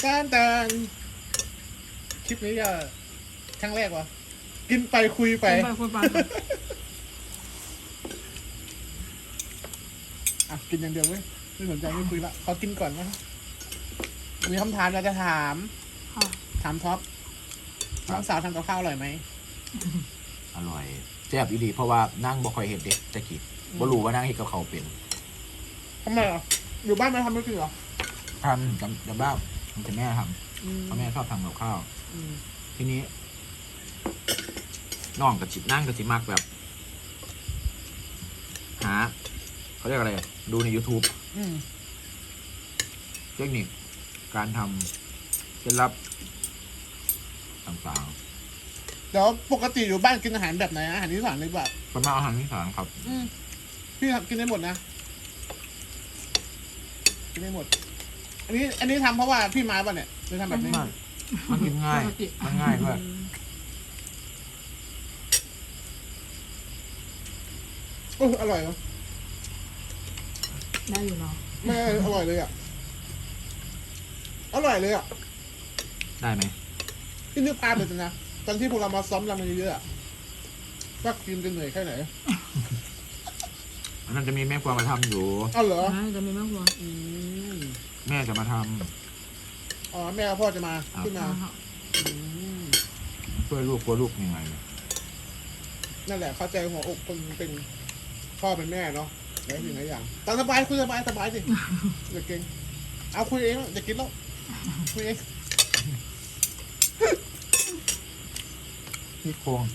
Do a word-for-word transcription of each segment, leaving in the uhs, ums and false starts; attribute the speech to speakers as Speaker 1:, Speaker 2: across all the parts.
Speaker 1: การแต่คลิปนี้ก็ครั้งแรกวะกินไปคุยไป
Speaker 2: กินไปคุยไป
Speaker 1: อ่ะกินอย่างเดียวเว้ยไม่สนใจไม่คุยละขอกินก่อนนะมีคำถามอยากจะถาม
Speaker 2: ค่ะ
Speaker 1: ถามท็อปน้องสาวทำกับข้าวอร่อยไหม
Speaker 3: อร่อยแซ่บอีหลีเพราะว่านั่งบ่ค่อยเห็ดเด็กตะกี้บ่รู้ว่านั่งเห็ดกับเขาวเป็น
Speaker 1: ทำไมอ่ะอยู่บ้านไม่ทำไม่กินเหรอ
Speaker 3: ทำจำจำบ้ามันจะแม่ท
Speaker 1: อืม
Speaker 3: ำเพราะแม่ชอบทำกับข้าว
Speaker 1: อืม
Speaker 3: ทีนี้น้องกับจินั่งกับจิมากแบบ หาเขาเรียกอะไร ดูใน YouTube
Speaker 1: อืม
Speaker 3: เทคนิคการทำเคล็ดลับต่าง
Speaker 1: เดี๋ยวปกติอยู่บ้านกินอาหารแบบไหนอาหารอีสานเลยแบบ
Speaker 3: ๆเป็นมาอาหารอีสานครับ
Speaker 1: อืมพี่ทำกินได้หมดนะกินได้หมด อันนี้ อันนี้ทำเพราะว่าพี่มาป่ะเนี่ยเลยทำแบบนี้
Speaker 3: ไม่มันกินง่าย
Speaker 2: ปกติ
Speaker 3: มันง่ายด้วย
Speaker 1: โอ้อร่อยเนาะ
Speaker 2: ได้อยู่เนาะ
Speaker 1: ไม่อร่อยเลยอ่ะอร่อยเลยอ่ะ
Speaker 3: ได้ไหม
Speaker 1: พี่นึกภาพเลยนะตอนที่พวกเรามาซ้อมรำกันเยอะๆอะว่ากินจะเหนื่อยแค่ไหน
Speaker 3: มันจะมีแม่ครัวมาทำอยู่
Speaker 1: เอาเหรอ
Speaker 2: นะจะมีแม่ครัว
Speaker 1: อืม
Speaker 3: แม่จะมาท
Speaker 1: อ๋อแม่กับพ่อจะมา
Speaker 3: ครับ
Speaker 1: ขึ้นมาอืม
Speaker 3: ำช่วยลูกกลัวลูกยังไงเนี่ย
Speaker 1: นั่นแหละเข้าใจหัวอกคนเป็นพ่อเป็นแม่เนาะหลายสิ่งหลายอย่างตามสบายคุยสบายสบายสิอย่าเก่งเอาคุยเองอย่ากินแล้วคุยเอง
Speaker 3: พี่โครง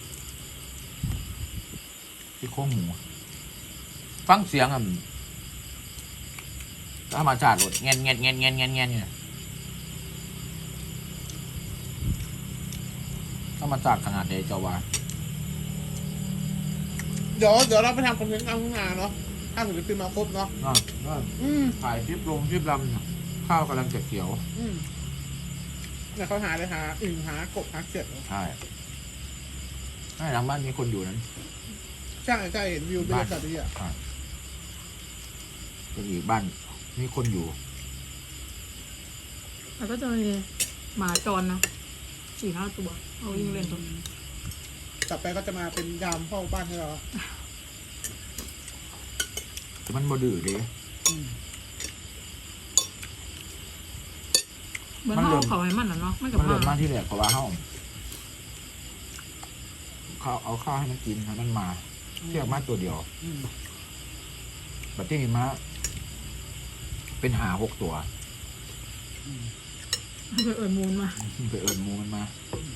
Speaker 3: พี่โครงหมู ฟังเสียงอ่ะธรรมชาติหมดเงี้ยเงี้ยเงี้ยเงี้ยเงี้ยเงี้ยเนี่ยธรรมชาติขนาดใดเจ้าว่า
Speaker 1: เดี๋ยวเดี๋ยวเราไปทำคอนเทนต์กลางทุ่งนาเนาะถ้าถึงจะขึ้นมาครบเนาะ
Speaker 3: ก็ก็
Speaker 1: อืม
Speaker 3: ถ่ายคลิปลงคลิปลำเนี่ยข้าวกำลังจะเขียว
Speaker 1: อืมเนี่ยเขาหาเลยหาอึ่งหากบหาเขียด
Speaker 3: ใช่ใช่หลังบ้านมีคนอยู่นั้น
Speaker 1: ใช่ใช่เห็นวิวบรรยากาศดีอ่ะ
Speaker 3: ก็อีกบ้านมีคนอยู่
Speaker 2: แล้วก็จะมีหมาจรนะสี่ห้าตัวเอาวิ่งเล่นตรง
Speaker 1: ต่อไปก็จะมาเป็นยามเฝ้าบ้านให้เราอะ
Speaker 3: แต่มันบ่ดื้อเด้
Speaker 1: อืม
Speaker 2: เหมือน
Speaker 3: มันเริ่
Speaker 2: เขา
Speaker 3: ม
Speaker 2: เขาให้มันนะเนาะไม่กับ
Speaker 3: มันเริ่ม
Speaker 2: มา
Speaker 3: มาที่แรกเพราะว่าเฮาข้าวเอาข้าวให้มันกินให้มันมาเทียบมาตัวเดียว
Speaker 1: อืม
Speaker 3: แบบที่มีมาเป็นหาหกตัว
Speaker 1: อืม
Speaker 2: ไปเอิญมูลมา
Speaker 3: ไปเอิญหมูมันมา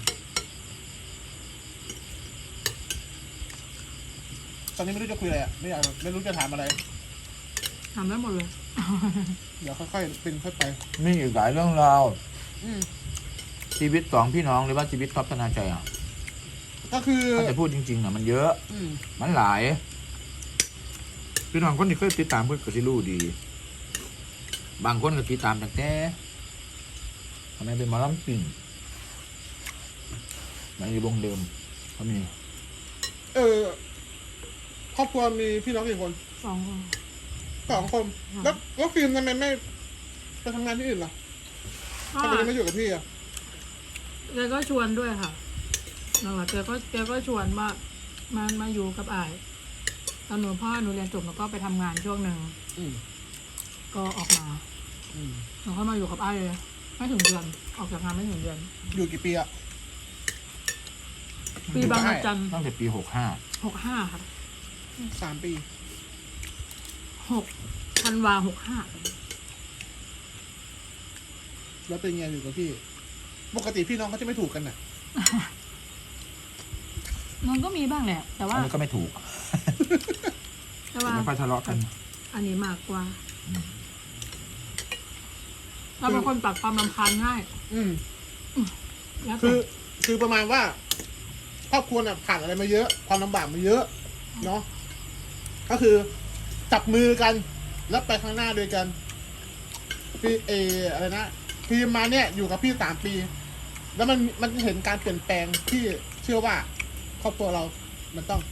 Speaker 1: ตอนนี้ไม่รู้จะคุยอะไรอ่ะไม่อยากไม่รู้จะถามอะไร
Speaker 2: ทำได้หมดเลย
Speaker 1: เดี๋ยวค่อยๆเป็นค่อยไป
Speaker 3: มีอีกหลายเรื่องราว
Speaker 1: อืม
Speaker 3: ชีวิตสองพี่น้องหรือว่าชีวิตท็อปธนาชัยอ่ะ
Speaker 1: ก็คือ
Speaker 3: ถ้าจะพูดจริงๆอ่ะมันเยอะ
Speaker 1: อืม
Speaker 3: มันหลาย พี่น้องคนที่เคยติดตามเพื่อนก็สิรู้ดี บางคนก็ติดตามตั้งแต่ทำไมเป็นหมอลำปิ่งมันอยู่วงเดิมเขามี
Speaker 1: เออครอบครัวมีพี่น้องกี่คน
Speaker 2: สองคน
Speaker 1: สองคน แล้วแล้วฟิล์มทำไมไม่ไปทำงานที่อื่นล่ะ
Speaker 2: ก็
Speaker 1: ทำไมยังไม่อยู่กับพี่อ่ะ
Speaker 2: แกก็ชวนด้วยค่ะนั่นแหละแกก็แกก็ชวนว่ามามาอยู่กับอายตอนหนูพ่อหนูเรียนจบแล้วก็ไปทำงานช่วงหนึ่ง
Speaker 1: อืม
Speaker 2: ก็ออกมา
Speaker 1: อืม
Speaker 2: หนูก็มาอยู่กับอายเลยไม่ถึงเดือนออกจากงานไม่ถึงเดือน
Speaker 1: อยู่กี่ปีอ่ะ
Speaker 2: ปีบางระจัน
Speaker 3: ตั้งแต่ปีหกห้า
Speaker 2: หกห้าค่ะ
Speaker 1: สามปี
Speaker 2: หกธันวาหกห้า
Speaker 1: แล้วเป็นไงอยู่กับพี่ ปกติพี่น้องเขาจะไม่ถูกกันน่ะ
Speaker 2: มันก็มีบ้างแหละ แต่ว่า
Speaker 3: อันนี้ก็ไม่ถูก
Speaker 2: แต่ว่า
Speaker 3: ไม่ค่อยทะเลาะกัน
Speaker 2: อันนี้มากกว่า
Speaker 3: อืม
Speaker 2: เราเป็นคนปรับความรำคาญง่าย
Speaker 1: อืม
Speaker 2: แล้ว
Speaker 1: คื
Speaker 2: แต่
Speaker 1: อ คือประมาณว่า ครอบครัวน่ะผ่านอะไรมาเยอะ ความลำบากมาเยอะ เนาะ ก็คือจับมือกัน แล้วไปข้างหน้าด้วยกัน พี่เออะไรนะพี่มาเนี่ยอยู่กับพี่สามปี แล้วมันมันเห็นการเปลี่ยนแปลงที่เชื่อว่า ครอบครัวเรา มันต้อง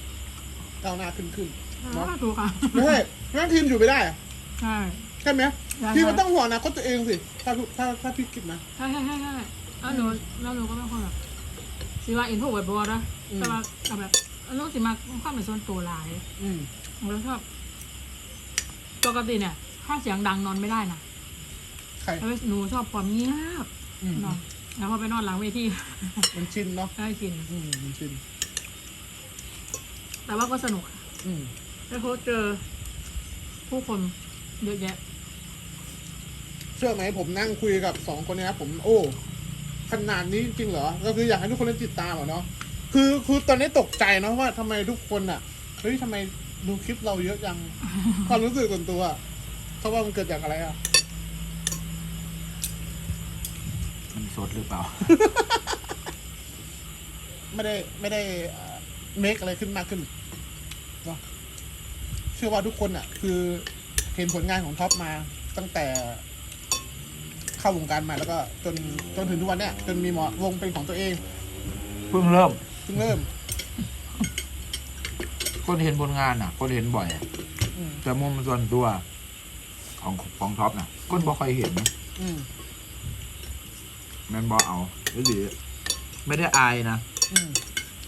Speaker 1: ก้าวหน้าขึ้นขึ้น
Speaker 2: ก็ถูกค่ะ
Speaker 1: ไม่ใช่งั้นทีมอยู่ไม่ได้อะ
Speaker 2: ใช่
Speaker 1: ใช่ไหมพี่มันต้องห่วงอนะก็ตัวเองสิถ้าถ้าถ้าพี่คิดนะ
Speaker 2: ใช่ใช่ใช่ใช่แล้วหนูแล้วหนูก็เป็นคนแบบสิว่าอินโทรเวิร์ดบอนะแต่ว่าแบบลูกสิมาความเป็นส่วนตัวหลาย
Speaker 1: อืม
Speaker 2: แล้วชอบปกติเนี่ย ถ้าเสียงดังนอนไม่ได้นะ
Speaker 1: ใคร
Speaker 2: แล้วหนูชอบความเงียบ
Speaker 1: อืม
Speaker 2: นอนแล้วพอไปนอนหลังเวที
Speaker 1: มันชินเนาะ
Speaker 2: ได้กิน
Speaker 1: อืมมันชิน
Speaker 2: แต่ว่าก็สนุกค่ะ
Speaker 1: อืม
Speaker 2: ได้พบเจอผู้คนเยอะแยะ
Speaker 1: เชื่อไหมผมนั่งคุยกับสองคนเนี้ยผมโอ้ขนาดนี้จริงเหรอก็คืออยากให้ทุกคนได้ติดตามอะเนาะคือคือตอนนี้ตกใจเนาะว่าทำไมทุกคนอ่ะเฮ้ยทำไมดูคลิปเราเยอะจัง ความรู้สึกส่วนตัวอะเขาว่ามันเกิดจากอะไรอ่ะ
Speaker 3: มันสดหรือเปล่า
Speaker 1: ไม่ได้ไม่ได้เมคอะไรขึ้นมากขึ้นเนาะเชื่อว่าทุกคนอ่ะ คือเห็นผลงานของท็อปมาตั้งแต่เข้าวงการมาแล้วก็จนจนถึงทุกวันเนี้ยจนมีหมอวงเป็นของตัวเอง
Speaker 3: เพิ่งเริ่ม
Speaker 1: เพิ่งเริ่ม
Speaker 3: คนเห็นผลงานอ่ะ คนเห็นบ่อยอะ
Speaker 1: อืม
Speaker 3: แต่มุมส่วนตัวของของท็อปน่ะคนบ่ค่อยเห็น
Speaker 1: อืม
Speaker 3: แมันบ่เอาหรือไม่ได้อายนะ
Speaker 1: อืม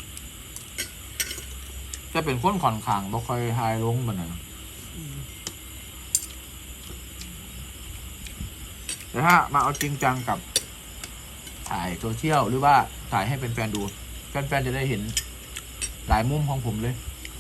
Speaker 3: จะเป็นคนค่อนข้างบ่ค่อยทายลงบันนั้น
Speaker 1: อืม
Speaker 3: แต่ถ้ามาเอาจริงจังกับถ่ายโซเชียลหรือว่าถ่ายให้เป็นแฟนๆดูแฟนๆจะได้เห็นหลายมุมของผมเลย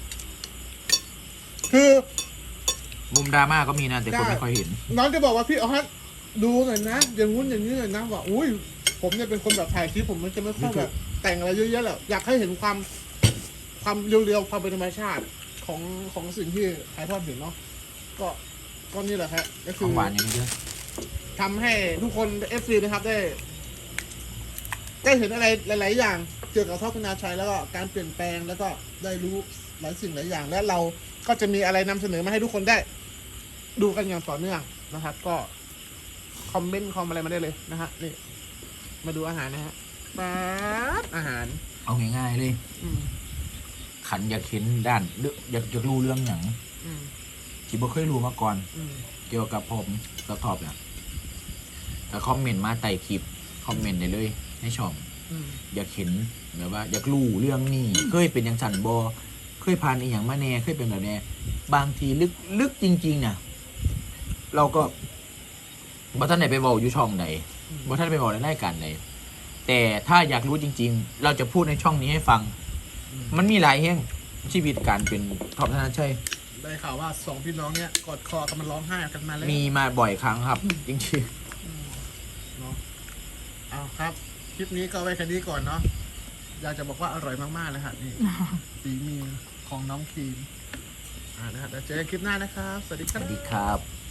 Speaker 1: คือ
Speaker 3: มุมดราม่าก็มีนะแต่คน
Speaker 1: ได้
Speaker 3: ไม่ค่อยเห็น
Speaker 1: น้องจะบอกว่าพี่เอาฮัทดูหน่อยนะอย่างงู้นอย่างนี้หน่อยนะว่าอุ้ยผมเนี่ยเป็นคนแบบถ่ายคลิปผมมันจะไม่ค่อยแบบแต่งอะไรเยอะแยะแหละอยากให้เห็นความ ความเรียวๆความเป็นธรรมชาติของของสิ่งที่ถ่ายทอดเห็นเนาะก็ก็นี่แหละครับก็
Speaker 3: ข
Speaker 1: คือ
Speaker 3: องหวานอย่างนี้เยอะ
Speaker 1: ทำให้ทุกคนเอฟซีนะครับได้ ได้เห็นอะไรหลาย ๆ อย่างเกี่ยวกับท็อปธนาชัยแล้วก็การเปลี่ยนแปลงแล้วก็ได้รู้หลายสิ่งหลายอย่าง และเราก็จะมีอะไรนำเสนอมาให้ทุกคนได้ ดูกันอย่างต่อเนื่องนะครับ ก็คอมเมนต์คอมอะไรมาได้เลยนะฮะนี่มาดูอาหารนะฮะป๊าบอาหาร
Speaker 3: เอาง่ายๆเลย
Speaker 1: อืม
Speaker 3: ขันอยากเห็นด้านเรื่องอยากอยากรู้เรื่องอย่าง
Speaker 1: อืม
Speaker 3: ที่บ่เคยรู้มาก่อน
Speaker 1: อืม
Speaker 3: เกี่ยวกับผมสตอบเนี่ยแต่คอมเมนต์มาใต้คลิปคอมเมนต์ได้เลยในช่อง
Speaker 1: อืม
Speaker 3: อยากเห็นแบบว่า อยากรู้เรื่องนี้เคยเป็นอย่างสันบอเคยผ่านอีหยังมาแน่เคยเป็นแบบแน่บางทีลึกลึกจริงๆน่ะ เราก็บ่ท่านไหนไปบอกอยู่ช่องไหนบ่ท่านไปบอกในรายการไหนแต่ถ้าอยากรู้จริง ๆ เราจะพูดในช่องนี้ให้ฟัง มันมีหลายแห่งชีวิตการเป็นท็อปธนาชัย
Speaker 1: ได้ข่าวว่าสองพี่น้องเนี่ยกอดคอกันมันร้องไห้กันมาแล้ว
Speaker 3: มีมาบ่อยครั้งครับ จริง
Speaker 1: เนาะเอาครับ คลิปนี้ก็ไว้แค่นี้ก่อนเนาะอยากจะบอกว่าอร่อยมากๆเลยฮะนี่ ฝีมือของน้องครีมอ่านะฮะเดี๋ยวเจอกันคลิปหน้านะครับ สวัสดี
Speaker 3: ๆ
Speaker 1: ค
Speaker 3: ส
Speaker 1: รับ
Speaker 3: วัสดีครับ